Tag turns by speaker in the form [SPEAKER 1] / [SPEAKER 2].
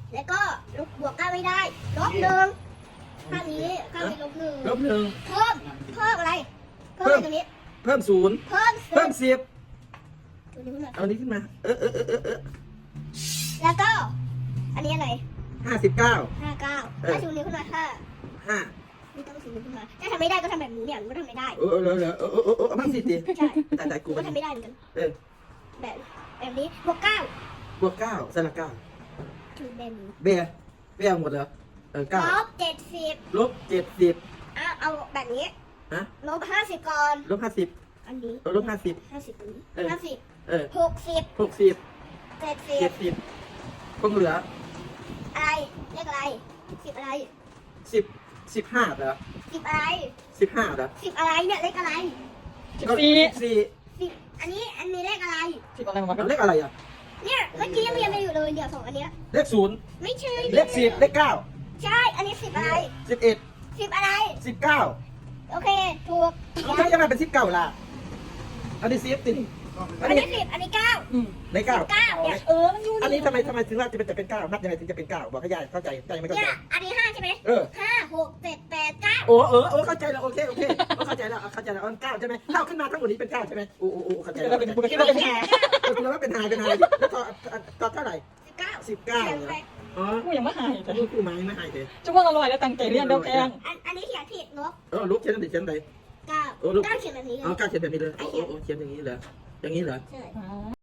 [SPEAKER 1] แล้วก็ลบบวก9ไม่ได้ลบ1ข้างนี้ข้างนี้ลบ1
[SPEAKER 2] ลบหนึ่ง
[SPEAKER 1] เพิ่มอะไรเพิ่มอะไรตรงนี้
[SPEAKER 2] เพิ่มศูนย์
[SPEAKER 1] เพิ่ม
[SPEAKER 2] เพิ่มสิบ
[SPEAKER 1] ตัวนี้ขึ้นมา
[SPEAKER 2] เอานี้ขึ้นมา
[SPEAKER 1] แล้วก็อันนี้อะไร
[SPEAKER 2] 59
[SPEAKER 1] 59ถ้าชูนิ้วขึ้นมา5ไม่ต้องชูนิ้วขึ้นมาถ้าทำไม่ได้ก็ทำแบบนี้เนี่ยมันก็ทำไม่ได้
[SPEAKER 2] เอามาสิดิ
[SPEAKER 1] ใช่
[SPEAKER 2] แต่กู
[SPEAKER 1] ก็ทำไม่ได้เหมือนกัน แบบนี้บวก9
[SPEAKER 2] บวก9สลัก9
[SPEAKER 1] คือแบบนี้
[SPEAKER 2] เบี้ยหมดเหรอ9
[SPEAKER 1] ลบ70
[SPEAKER 2] ลบ70
[SPEAKER 1] เอาแบบนี้
[SPEAKER 2] ฮะ
[SPEAKER 1] ลบ50ก่อน
[SPEAKER 2] ลบ50
[SPEAKER 1] อันนี้
[SPEAKER 2] ลบ50
[SPEAKER 1] 50ตรงนี้50 60
[SPEAKER 2] 60
[SPEAKER 1] 70
[SPEAKER 2] 70คงเหลือ
[SPEAKER 1] อะไรเลขอะไร10อะไร
[SPEAKER 2] 15เหรอ
[SPEAKER 1] 10อะไร
[SPEAKER 2] 15เหรอ
[SPEAKER 1] 10อะไรเนี่ยเลขอะไร
[SPEAKER 2] 14
[SPEAKER 1] 10อันนี้เลขอะไร
[SPEAKER 3] 10อะไรวะ
[SPEAKER 2] เลขอะไรอ่ะ
[SPEAKER 1] เนี่ยเมื่อกี้ยังเรียนไปอยู่เลยเดี๋ยว2อันเนี้ย
[SPEAKER 2] เลข0
[SPEAKER 1] ไม่ใช่
[SPEAKER 2] เลข10เลข9
[SPEAKER 1] ใช่อันนี้10อะไร
[SPEAKER 2] 11
[SPEAKER 1] 10อะไร
[SPEAKER 2] 19
[SPEAKER 1] โอเคถูก
[SPEAKER 2] ไม่จะมาเป็น19ล่ะอันนี้10ติอั
[SPEAKER 1] อั
[SPEAKER 2] น
[SPEAKER 1] น
[SPEAKER 2] นี้
[SPEAKER 1] นี้10อันนี้9
[SPEAKER 2] ใน9
[SPEAKER 1] 9เนี่ย
[SPEAKER 3] มันอยู่
[SPEAKER 2] อันนี้ทำไมถึงว่าจะเป็น9นับยังไงถึงจะเป็น9บอกให้ยายเข้าใจไม่เข้า
[SPEAKER 1] เนี่
[SPEAKER 2] ใจ
[SPEAKER 1] ยอันนี้5ใช่ไหม 5 6 7 8 9
[SPEAKER 2] โอ้เข้าใจแล้วโอเคเข้าใจแล้ว9ใช่ไหมเท่าขึ้นมาทั้งหมดนี้เป็น9ใช่ไหมโอ้เข้าใจแล้ว
[SPEAKER 3] เป็นบุคคลที่เราเป็นแห่
[SPEAKER 2] คุณว่าเป็นหายแล้วต่อเท่าไหร่
[SPEAKER 1] 19
[SPEAKER 2] อ๋อ
[SPEAKER 3] กูยังไม่หายแต่
[SPEAKER 2] ลูกกูไม้ไม่หายเลย
[SPEAKER 3] จุ๊บว่าอร่อยแล้วตั้งใจเรียนเดียวแกง
[SPEAKER 1] อันนี้เขียนผิดลบ
[SPEAKER 2] ลูกเขียนอะไรเขียนอะไร
[SPEAKER 1] 9 9เขียนแบบนี้เลย
[SPEAKER 2] ก้าวเขียนแบบนี้เลยโอ้เขียนอย่างนี้เหรออย่างนี้เหรอ
[SPEAKER 1] ใช่
[SPEAKER 3] อ๋อ